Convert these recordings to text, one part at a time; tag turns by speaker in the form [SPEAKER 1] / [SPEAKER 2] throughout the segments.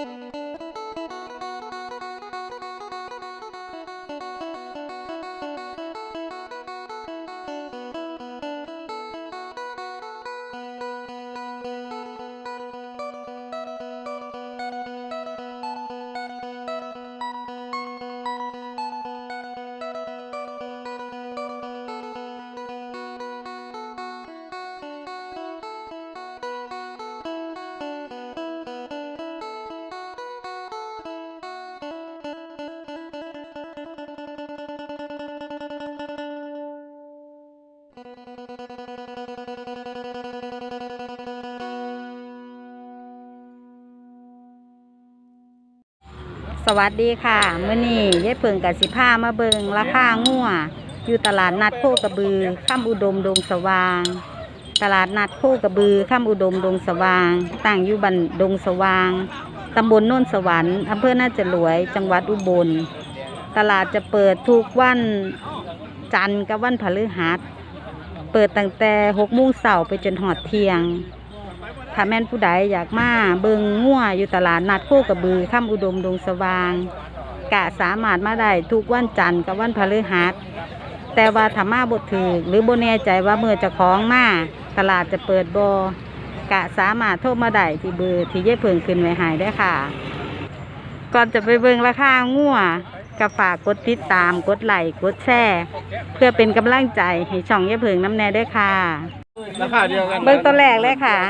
[SPEAKER 1] สวัสดีค่ะมื้อนี้ยายเพิ่งกับสิพามาเบิงราคางัวอยู่ตลาดนัดโคกระบือข้ามอุดมดงสว่างตลาดนัดโคกระบือข้ามอุดมดงสว่างตั้งอยู่บ้านดงสว่างตำบลโน่นสวรรค์อำเภอน่าจะรวยจังหวัดอุบลตลาดจะเปิดทุกวันจันทร์กับวันพฤหัสเปิดตั้งแต่6 โมงเช้าไปจนหอดเที่ยงถ้าแม่นผู้ใดอยากมาเบิงงัวอยู่ตลาดนัดโคกระบือข้ามอุดมดงสว่างกะสามารถมาได้ทุกวันจันทร์กับวันพฤหัสแต่ว่าถ้ามาบ่ถูกหรือบ่แน่ใจว่าเมื่อเจ้าของมาตลาดจะเปิดบ่กะสามารถโทรมาได้ที่เบอร์ที่ยายเพิ่งขึ้นไว้ให้ได้ค่ะก่อนจะไปเบิงราคางัวก็ฝากกดติดตามกดไลค์กดแชร์เพื่อเป็นกำลังใจให้ช่องยายเพิ่งน้ำแน่ด้วยค่ะ
[SPEAKER 2] ราคาเดียวกัน
[SPEAKER 1] เบิ่งตัวแรกเลยค่ะ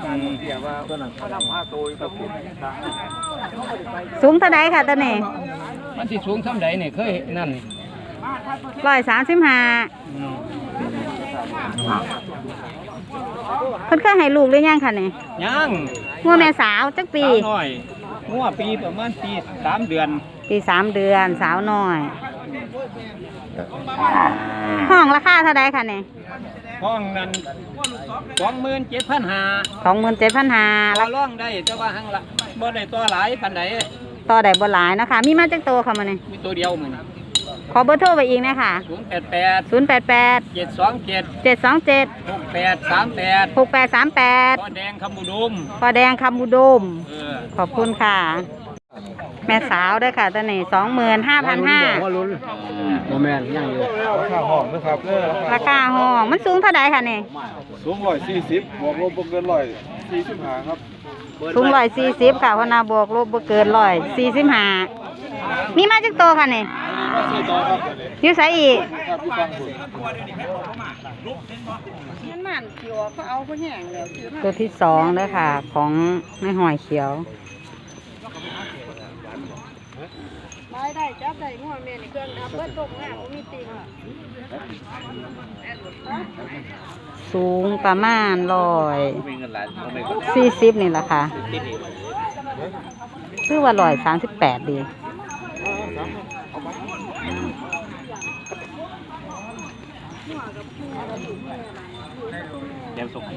[SPEAKER 1] สูงเท่าใดค่ะตัวนี้
[SPEAKER 2] มันสิสูงเท่าใดเนี่ยเคยนั่น
[SPEAKER 1] 135เพิ่นเคยให้ลูกหรือยังค่ะนี่
[SPEAKER 2] ยัง
[SPEAKER 1] งัวแม่สาวจักปี
[SPEAKER 2] น้อยงัวปีประมาณปี3 เดือน
[SPEAKER 1] ปี3 เดือนสาวน้อยห้องราคาเท่าใดค่ะนี่
[SPEAKER 2] ห้องนั้น27,500
[SPEAKER 1] 27,500
[SPEAKER 2] แล้วร้องได้แต่ว่าหังละบ่ได้ตัวหลายปานใด
[SPEAKER 1] ต่อได้บ่หลายนะคะมีมาจักโตค่ะมื้อนี้
[SPEAKER 2] มีตัวเดียวมื้อนี้
[SPEAKER 1] ขอเบอร์โทรไปอีกนะคะ
[SPEAKER 2] 088 727 6838
[SPEAKER 1] 6838
[SPEAKER 2] พ่อแดงคำอุดมข
[SPEAKER 1] อบคุณค่ะแม่สาวด้วยค่ะตัวนี้25,500
[SPEAKER 2] โมแมนยังอยู่ราคาห้องนะครับ
[SPEAKER 1] ราคาห้องมันสูงเท่าใดค่ะนี่
[SPEAKER 2] สูง140บวกลบบ่เกิน145ครับ
[SPEAKER 1] สูง140ค่ะพนาบวกลบบ่เกิน145มีมาจักโตค่ะนี่อยู่ไสอีกมันเขียวเขาเอาบ่แห้งแล้วตัวที่2เด้อค่ะของแม่หอยเขียวได้จับได้งัวแม่นี่เครื่องดับเบิดตกหน้าบ่มีติ่งสูงประมาณ140นี่แหละค่ะคือว่า138ดี
[SPEAKER 2] เดี๋ยวส่ง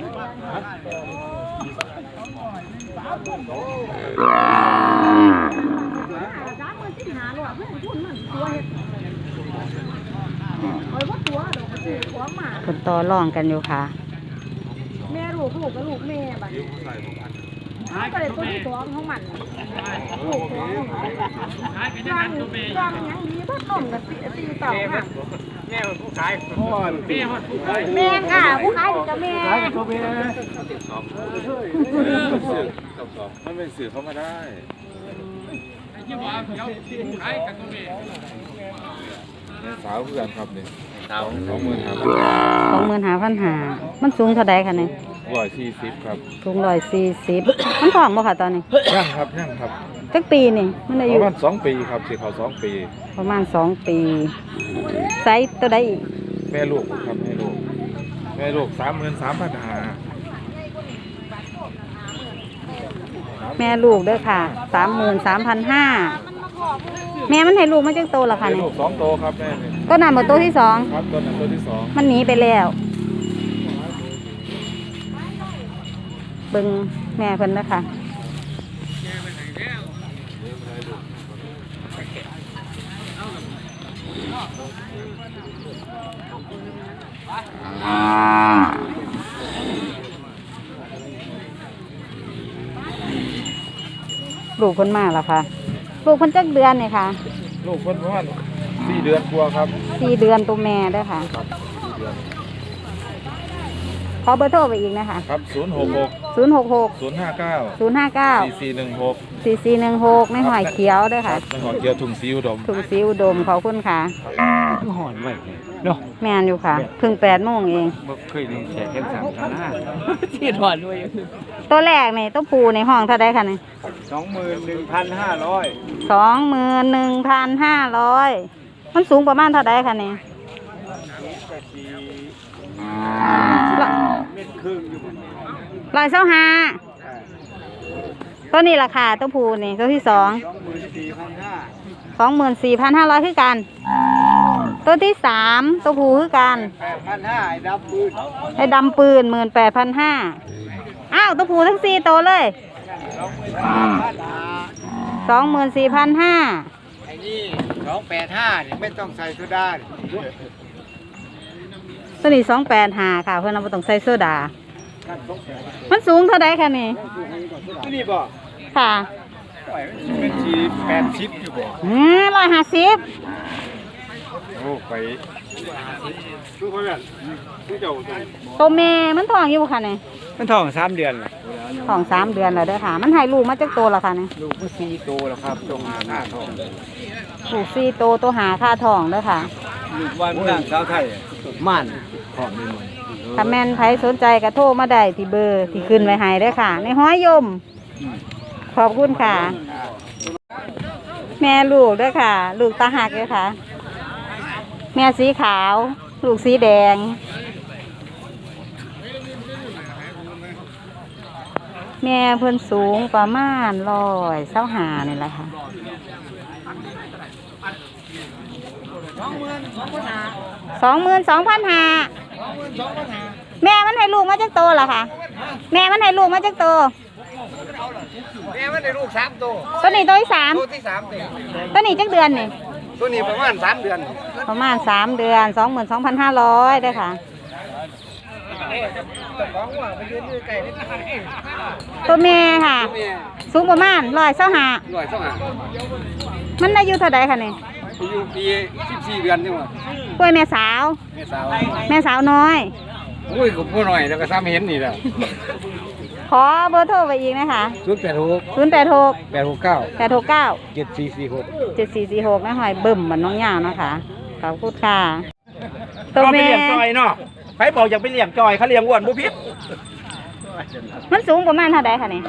[SPEAKER 1] คนต่อรองกันอยู่ค่ะ
[SPEAKER 3] แม่ลูกกับลูกแม่บัดก็เลยตัวที่2ของมันลูก2ยังดีบ่ต้มกับตีต่อค่ะ
[SPEAKER 2] แม่ผู้ขาย
[SPEAKER 3] แม่ค่ะผู้ขายกับแม่
[SPEAKER 2] มันเป็นสื่อเข้ามาได้สาวเพื่อนครับนี่สาว
[SPEAKER 1] 25,500มันสูงเท่าใดคะนี่
[SPEAKER 2] 140ครับ
[SPEAKER 1] สูง140มันท้องบ่ค่ะตอนนี้
[SPEAKER 2] ยังครับ
[SPEAKER 1] จักปีนี่มันอายุ
[SPEAKER 2] ประมาณ2 ปีครับสิเข้า2 ปี
[SPEAKER 1] ประมาณ2 ปีไซส์ตัวใดอีก
[SPEAKER 2] แม่ลูกครับแม่ลูก33,500
[SPEAKER 1] แม่ลูกด้วยค่ะ33,500แม่มันให้ลูกมาจักโตล่ะค่ะนี่
[SPEAKER 2] ลูก2 โตครับแม่
[SPEAKER 1] ต้นนั้นบ่โตที่2
[SPEAKER 2] ครับต้นนั้นโตที่2
[SPEAKER 1] มันหนีไปแล้วเบิ่งแม่เพิ่นนะคะลูกเพิ่นมาแล้วค่ะ ลูกเพิ่นจักเดือนนี่ค่ะ
[SPEAKER 2] ลูกเพิ่นประมาณ4 เดือนกว่าครับ
[SPEAKER 1] 4 เดือนตัวแม่เด้อค่ะ
[SPEAKER 2] ครับ4 เดือน
[SPEAKER 1] ขอเบอร์โทรไปอีกนะคะ
[SPEAKER 2] ครับ066
[SPEAKER 1] 066
[SPEAKER 2] 059
[SPEAKER 1] 059
[SPEAKER 2] 4416
[SPEAKER 1] 4416ในหอยเขียวเด้อค่ะ
[SPEAKER 2] ในหอเกียวทุ่งซีอุดม
[SPEAKER 1] ถุงสีอุดมขอบคุณค่ะ
[SPEAKER 4] หอนไว้เนาะ
[SPEAKER 1] แม่นอยู่ค่ะเพิ่ง8 โมงเอง
[SPEAKER 4] บ่เคยได้แช่แข็ง3ครั้งนะที่หอนด้วย
[SPEAKER 1] ตัวแรกนี่ตัวผูในห้องเท่าใดคะนี่
[SPEAKER 4] 21,500
[SPEAKER 1] 21,500มันสูงประมาณเท่าใดคะนี่
[SPEAKER 4] เม็ดครึ่งอยู่
[SPEAKER 1] 125ตัวนี้ราคาตัวผูนี่ตัวที่24,500คือกัน ตัวที่3ตัวผูคือกัน
[SPEAKER 4] 8,500ให้ดับปืน
[SPEAKER 1] ให้ดำปืน18,500อ้าวตัวผูทั้ง4ตัวเลย 24,500
[SPEAKER 4] ไอ้นี่285นี่ไม่ต้องใส่โซดา
[SPEAKER 1] ตัวนี้285ค่ะเพื่อนเราบ่ต้องใส่โซดา มันสูงเท่าใดคะนี่
[SPEAKER 4] นี่บ่
[SPEAKER 1] ค่ะ
[SPEAKER 4] เป็นชี80อยู่บ่
[SPEAKER 1] 150
[SPEAKER 4] โอ้ไปดูเพิ่นดูเจ้า
[SPEAKER 1] ตัวแม่มันท้องอยู่บ่คะนี่
[SPEAKER 4] มันท้อง3เดือนล่ะ
[SPEAKER 1] ท้อง3 เดือนแล้วเด้อค่ะ มันให้ลูกมาจักโตแล้วค่ะนี่
[SPEAKER 4] ลูกมัน4โตแล้วครับตรงหน้าท้อง
[SPEAKER 1] ลูก4โตตัวหาค่าท้องเด้อค่ะ
[SPEAKER 4] ลูกวันนางสาวไทยม่านพร้อมไปหมด
[SPEAKER 1] ถ้าแม่นไผสนใจก็โทรมาได้ที่เบอร์ที่ขึ้นไว้ให้เด้อค่ะ ในห้อยยม ขอบคุณค่ะ แม่ลูกเด้อค่ะ ลูกตาหักเด้อค่ะ แม่สีขาว ลูกสีแดง แม่เพิ่นสูงประมาณ125นี่แหละค่ะ 22,500แม่มันให้ลูกมาจักโตล่ะค่ะ แม่มันให้ลูกมาจักโต
[SPEAKER 4] แม่มันได้ลูก3โต
[SPEAKER 1] ตัวนี้ตัวที่สาม
[SPEAKER 4] ตัวที่3เด้
[SPEAKER 1] ตัวนี้จักเดือนนี่
[SPEAKER 4] ตัวนี้ประมาณ3เดือน
[SPEAKER 1] ประมาณ3 เดือน 22,500เด้อค่ะ
[SPEAKER 4] ของว่าไปยืนอยู่ใกล้นี่
[SPEAKER 1] ตัวแม่ค่ะ
[SPEAKER 4] แม่
[SPEAKER 1] สูงประมาณ125
[SPEAKER 4] 125
[SPEAKER 1] มันอายุเท่าใดคะนี่
[SPEAKER 4] อายุปี14เดือนจังว่า
[SPEAKER 1] กล้วยแม่สาว
[SPEAKER 4] แม่สาว
[SPEAKER 1] แม่สาวน้อย
[SPEAKER 4] อุ้ยก็บ่น้อยแล้วก็ซ้ำเห็นนี่แหละ
[SPEAKER 1] ขอเบอร์โทรไปอีกนะคะ
[SPEAKER 4] 086
[SPEAKER 1] 086
[SPEAKER 4] 869
[SPEAKER 1] 869
[SPEAKER 4] 7446
[SPEAKER 1] 7446แม่หอยเบิ่มเหมือนน้องยาวนะคะขอบคุณค่ะ ตัว
[SPEAKER 5] เอาไป
[SPEAKER 1] แม่
[SPEAKER 5] เลี้ยงจอยเนาะใครบอกอยากไปเลี้ยงจอยเขาเลี้ยงอ้วนบุพิษ
[SPEAKER 1] มันสูงประมาณเท่าใดคะนี่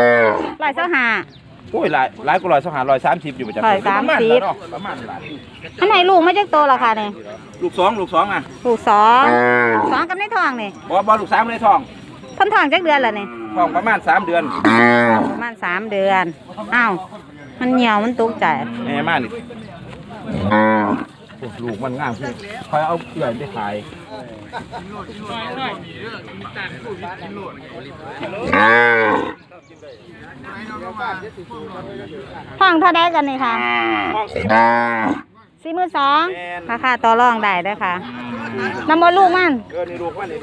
[SPEAKER 1] 125
[SPEAKER 5] โอ้ยหลายกว่า130อยู่ประจำ
[SPEAKER 1] 130
[SPEAKER 5] ประมาณนั้นเนาะประมาณนั้น
[SPEAKER 1] อันไหนลูกมาจากโตแล้วค่ะนี่
[SPEAKER 5] ลูกสองอ่ะ
[SPEAKER 1] ลูก2กับในท้องนี่
[SPEAKER 5] บ่ลูก3ในท้อง
[SPEAKER 1] เพิ่นท้องจักเดือนแล้วนี่
[SPEAKER 5] ท้องประมาณ3 เดือน
[SPEAKER 1] ประมาณ3 เดือนอ้าวมันเหี่ยวมันตกใจ
[SPEAKER 5] แม่มานี่โอ้ลูกมันงามขึ้นคอยเอาเกลือไปขาย
[SPEAKER 1] ท้องเท่าใดกันนี่ค่ะ
[SPEAKER 5] ท้องสิ
[SPEAKER 1] 42,000ราคาต่อรองได้เด้อค่ะนำบ่ลูกมัน
[SPEAKER 5] นี่ลูกมัน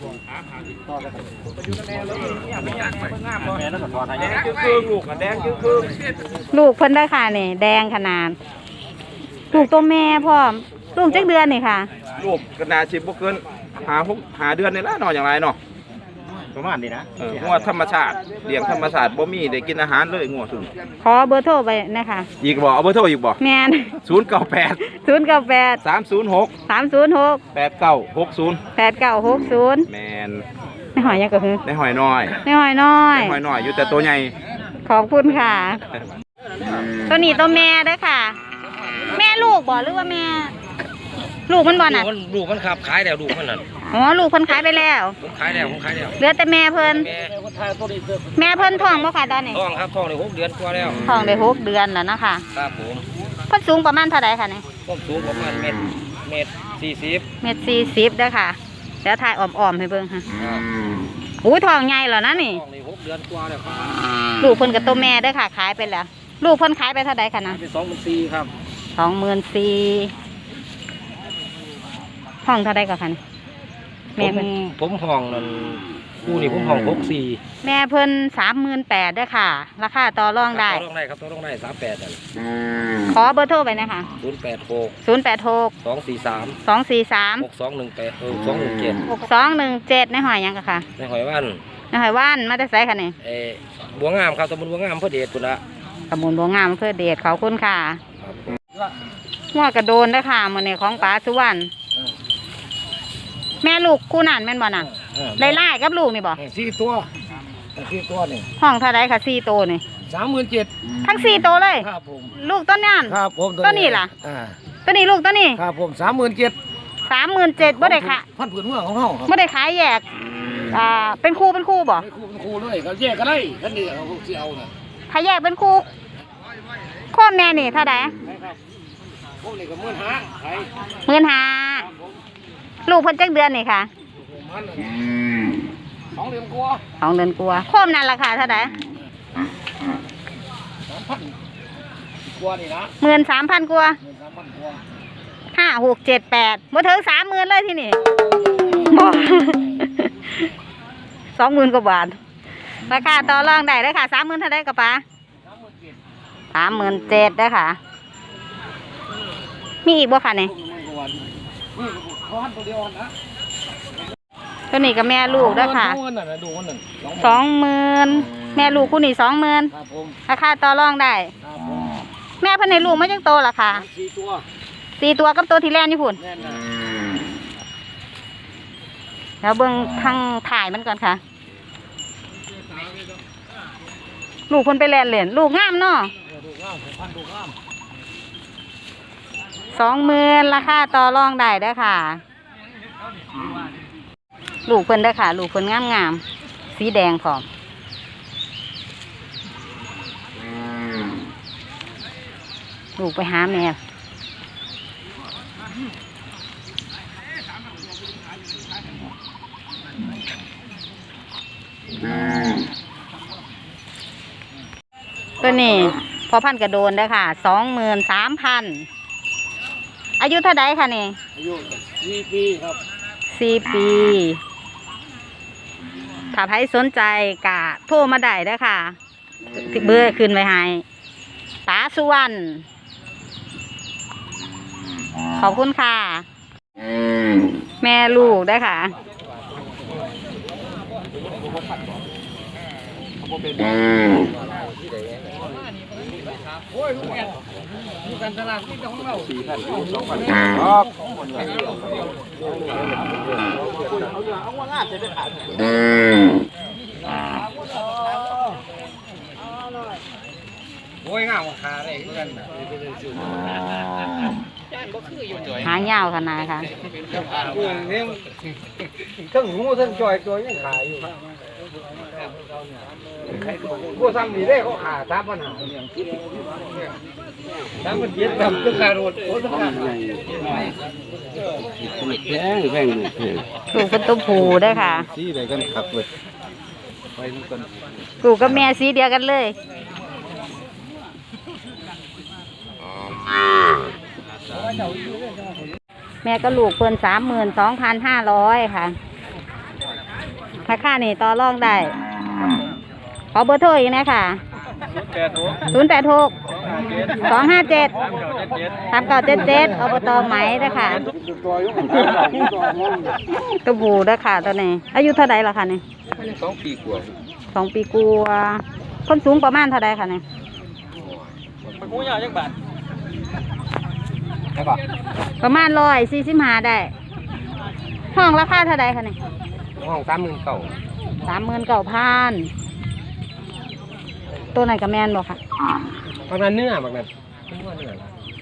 [SPEAKER 5] แม่นั่นก็ทอดให้แดงครึ่งลูกแดงครึ่ง
[SPEAKER 1] ลูกเพิ่นได้อค่ะนี่แดงขนาด ลูกตัวแม่พร้อม ลูกจักเดือนนี่ค่ะ
[SPEAKER 5] ลูกก็น่าสิบ่เกิน5 เดือนนี่ละเนาะอย่างไรเนาะ
[SPEAKER 4] ประมาณนี้นะ
[SPEAKER 5] งัวธรรมชาติเลี้ยงธรรมชาติบ่มีได้กินอาหารเลยงัวซุ่ม
[SPEAKER 1] ขอเบอร์โทรไปนะคะ
[SPEAKER 5] อีกบ่เอาเบอร์โทรอีกบ่
[SPEAKER 1] แม่น
[SPEAKER 5] 098
[SPEAKER 1] 098
[SPEAKER 5] 306
[SPEAKER 1] 306
[SPEAKER 5] 8960
[SPEAKER 1] 8960
[SPEAKER 5] แมน
[SPEAKER 1] ในหอยยังก็คือ
[SPEAKER 5] ในหอยน้อย
[SPEAKER 1] ในหอยน้อย
[SPEAKER 5] ในหอยน้อยอยู่แต่ตัวใหญ่
[SPEAKER 1] ขอบคุณค่ะ ตัวนี้ตัวแม่เด้อค่ะ แม่ลูกบ่หรือว่าแม่ ลูกมันบ่น่ะ
[SPEAKER 6] ลูกมันขับขายแล้วลูกมันนั่น
[SPEAKER 1] อ๋อลูกเพิ่นขายไปแล้ว
[SPEAKER 6] ผมขายแล้วผมขายแล้ว
[SPEAKER 1] เหลือแต่แม่เพิ่น
[SPEAKER 6] แม่
[SPEAKER 1] แม่เพิ่นท้องบ่ค่ะตอนนี้
[SPEAKER 6] ท้องครับท้องได้6 เดือนกว่าแล้ว
[SPEAKER 1] ท้องได้6 เดือนแล้วนะคะ
[SPEAKER 6] ครับผม
[SPEAKER 1] เพิ่นสูงประมาณเท่าใดคะนี่
[SPEAKER 6] ต้นสูงประมาณเมตร40
[SPEAKER 1] 1.40 เด้อค่ะเดี๋ยวถ่ายอ้อมๆให้เบิ่งค่ะ
[SPEAKER 6] ครับ
[SPEAKER 1] อู้ท้องใหญ่แล้วนะนี่
[SPEAKER 6] ท้องได้6 เดือนกว่าแล้วครับ
[SPEAKER 1] ลูกเพิ่นกับตัวแม่เด้อค่ะขายไปแล้ว ลูกเพิ่นขายไปเท่าใดคะนะ
[SPEAKER 6] เป็น24,000ครับ
[SPEAKER 1] 24,000ห้องเท่าใดก็คะนี่แม่เพิ่น
[SPEAKER 6] ผมห้องนั่นคู่นี่ผมห้อง64
[SPEAKER 1] แม่เพิ่น38,000ด้วยค่ะ ราคาต่อรองได้
[SPEAKER 6] ต่อรองได้ครับต่อรองได้38นั่น
[SPEAKER 1] ขอเบอร์โทรไปนะคะ
[SPEAKER 6] 086
[SPEAKER 1] 086
[SPEAKER 6] 243
[SPEAKER 1] 243
[SPEAKER 6] 6217
[SPEAKER 1] 6217ในหอยหยังกะค่ะ
[SPEAKER 6] ในหอยวัน
[SPEAKER 1] ในหอยว่านมาแต่ไสค่ะนี่
[SPEAKER 6] บัวงามครับตำบลบัวงามพระเดชพุ่นละ
[SPEAKER 1] ตำบลบัวงามอำเภอเดชขอบคุณค่ะ
[SPEAKER 6] ครับ
[SPEAKER 1] หัวกระโดนด้วยค่ะมื้อนี้ของป๋าสุวรรณแม่ลูกคู่นั่นแม่นบ่น่ะได้ไล่กับลูกนี่บ่
[SPEAKER 6] 4 ตัว4ตัวนี่
[SPEAKER 1] ห้องเท่าใดค่ะ4โตวนี่
[SPEAKER 6] 37,000
[SPEAKER 1] ทั้ง4โตวเลย
[SPEAKER 6] ครับผม
[SPEAKER 1] ลูกต้นนั่น
[SPEAKER 6] ครับผม
[SPEAKER 1] ตัวนี้ล่ะ ตัวนี้ลูกตัวนี้
[SPEAKER 6] ครับผม37,000
[SPEAKER 1] 37,000บ่ได้ค่ะ
[SPEAKER 6] พันผืนเมืองของเฮาครับ
[SPEAKER 1] บ่ได้ขายแยกเป็นคู่บ่
[SPEAKER 6] เป็นครูเลยเขาแยกกันได้คันนี้เขาสิเอาน่ะ
[SPEAKER 1] ขายแยกเป็นคู่โคมแม่นี่เท่าใด
[SPEAKER 6] พวกนี้ก็15,000ขาย
[SPEAKER 1] 15,000ลูกเพิ่นจักเดือนนี่ค่ะ
[SPEAKER 6] มัน2เดือนกว่า
[SPEAKER 1] 2 เดือนกว่าโคมนั่นราคาเท่าใด
[SPEAKER 6] 3,000กว่านี่นะ
[SPEAKER 1] 13,000กว่า
[SPEAKER 6] 13,000กว่า
[SPEAKER 1] 5 6 7 8บ่ถึง 30,000เลยที่นี่บ่ 20,000 กว่าบาทราคาต่อรองได้เด้อค่ะ 30,000เท่าใดกะป๋า 37,000เด้อค่ะ มีอีกบ่ค่ะนี่
[SPEAKER 6] นี่ขอหันตัวเดียวนะ
[SPEAKER 1] ตัวนี้ก็แม่ลูกเด้อค่ะ
[SPEAKER 6] ดูมันน่ะดูมันน่ะ
[SPEAKER 1] 20,000แม่ลูกคู่นี้20,000
[SPEAKER 6] ครับผม
[SPEAKER 1] ราคาต่อรองได้
[SPEAKER 6] ครับผม
[SPEAKER 1] แม่เพิ่นให้ลูกมาจังโตล่ะค่ะ
[SPEAKER 6] 4ตัว
[SPEAKER 1] 4 ตัวกับตัวที่แล่นอยู่พุ่น
[SPEAKER 6] แน่นนะ
[SPEAKER 1] แล้วเบิ่งทางถ่ายมันก่อนค่ะ ลูกเพิ่นไปแล่นเล่นลูกงามเนาะ
[SPEAKER 6] ดูงามพันดูงาม
[SPEAKER 1] 20,000ราคาต่อรองได้เด้อค่ะ ลูกเพิ่นเด้อค่ะ ลูกเพิ่นงามๆสีแดงพร้อมลูกไปหาแม่ตัวนี้พอพันกระโดนเด้อค่ะ 23,000อายุเท่าใดค่ะนี่
[SPEAKER 6] อายุ4 ปีครับ
[SPEAKER 1] 4 ปีถ้าใครสนใจกะโทรมาได้เด้อค่ะที่เบอร์ขึ้นไว้ให้ป๋าสุวรรณขอบคุณค่ะ แม่ลูกได้อค่ะ
[SPEAKER 6] โอ้ยงามขาได้คือกันน่ะ
[SPEAKER 1] หางยาวขนาดค่ะ
[SPEAKER 6] ทั้งหูทั้งจอยตัวยังขายอยู่ผู้ทำนี่ได้เขาขาตามปัญหาตามมันเย็ดแบบก็ขาโรดโอ้ต้องขา
[SPEAKER 2] แพง
[SPEAKER 1] ลูกเป็นตัวผูได้อค่ะ
[SPEAKER 2] สีอะไรกันขับเลยไปนู่นกัน
[SPEAKER 1] ลูกกับแม่สีเดียวกันเลย แม่ก็ลูกเพิ่น32,500ค่ะราคานี่ต่อรองได้ ขอเบอร์โทรอีกนะค่ะ086 257 3977อบตไหมเด้อค่ะตัวผูเด้อค่ะตัวนี้อายุเท่าใดล่ะค่ะนี่
[SPEAKER 6] 2 ปีกว่า
[SPEAKER 1] 2 ปีกว่าคนสูงประมาณเท่าใดค่ะนี่
[SPEAKER 6] มันกูยาวจังบาท
[SPEAKER 1] ประมาณ145ได้ห้องราคาเท่าใดค่ะนี่
[SPEAKER 6] ห้อง39,000
[SPEAKER 1] 39,000ตัวไหนกับแมนบอกค่ะ
[SPEAKER 6] ประมาณเนื้อบักนั้นเนื้อ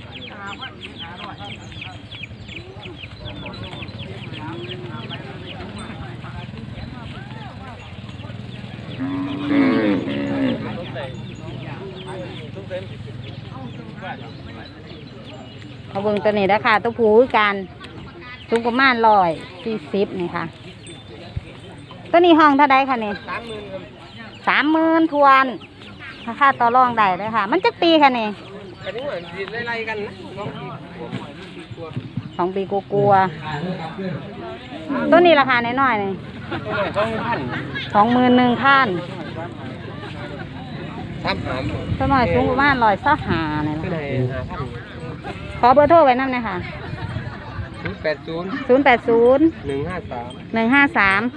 [SPEAKER 1] เอาเบิ่งตัวนี้นะคะตัวผูคือกันสูงประมาณ140นี่ค่ะ ตัวนี้ห้องเท่าใดค่ะนี่30,000ทวนราคาต่อรองได้เลยค่ะ มันจักปีค่ะนี่
[SPEAKER 6] อันนี้เหมือนไล่ๆกันนะน้องปีกว่า
[SPEAKER 1] ป 2 ปีกลัวๆตัวนี้ราคาน้อยๆนี่21,000ท่านตัวน้อยสูงประมาณ125นี่ล่ะขอเบอร์โทรไว้นำหน่อยค่ะ080 153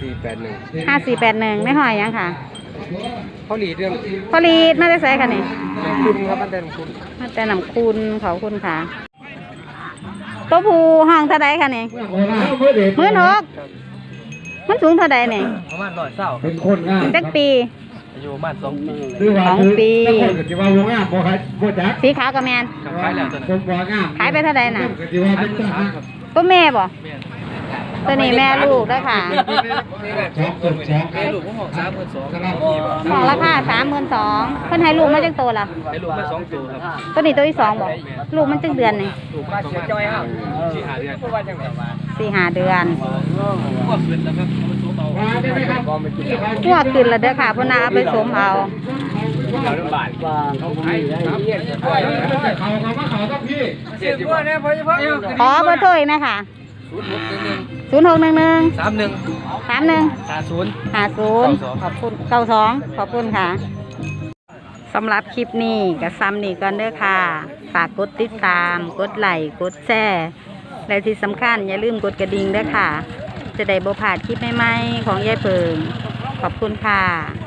[SPEAKER 1] 5481ไม่หอยยังค่ะพอลีดมาได้ใส่ค่ะนี่คุณครับมาแต่นำคุณขอบคุณค่ะตัวผู้ห้องเท่าใดค่ะนี่16,000มันสูงเท่าใดนี่
[SPEAKER 4] ประมาณ120เป็นคน
[SPEAKER 1] จักปี
[SPEAKER 4] อายุประมาณ2 ปี
[SPEAKER 1] 2 ปี
[SPEAKER 2] ที่ว่าวงงามบ่ครับบ่จัก
[SPEAKER 1] สีขาวกับแมน
[SPEAKER 4] ขายแล้วตัวนั้น
[SPEAKER 2] ผมบ่งาม
[SPEAKER 1] ขายไปเท่าใดน่ะ
[SPEAKER 2] ที่ว่าเป็นทหาร
[SPEAKER 1] ตัวแม่บ่ตัวนี้แม่ลูกด้วยค่ะ
[SPEAKER 4] ลูกผมออก32,000
[SPEAKER 1] ของราคา32,000เพิ่นให้ลูกมาจังโตล่ะ
[SPEAKER 4] ให้ลูกมา2ตัวครับ
[SPEAKER 1] ตัวนี้ตัวที่2บ่ลูกมันจังเดือนนี่
[SPEAKER 4] ลูกมาประมาณ4-5 เดือน
[SPEAKER 1] 4-5 เดือน
[SPEAKER 4] ก็ขึ้นแล้วครับมันสูงเอา
[SPEAKER 1] หัวขึ้นแล้วเด้อค่ะพุ่นน่ะเอาไปสวมเอา
[SPEAKER 4] เราลำบากเขาขายครับ
[SPEAKER 2] เขามาเขาต้องพี่
[SPEAKER 1] ขอเบอร์โทรอีกนะคะ0611 31 50ขอบคุณ92ขอบคุณค่ะสำหรับคลิปนี้ก็ซ้ำนี่ก่อนเด้อค่ะ ฝากกดติดตามกดไลค์กดแชร์และที่สำคัญอย่าลืมกดกระดิ่งด้วยค่ะ จะได้บ่พลาดคลิปใหม่ๆของยายเพิงขอบคุณค่ะ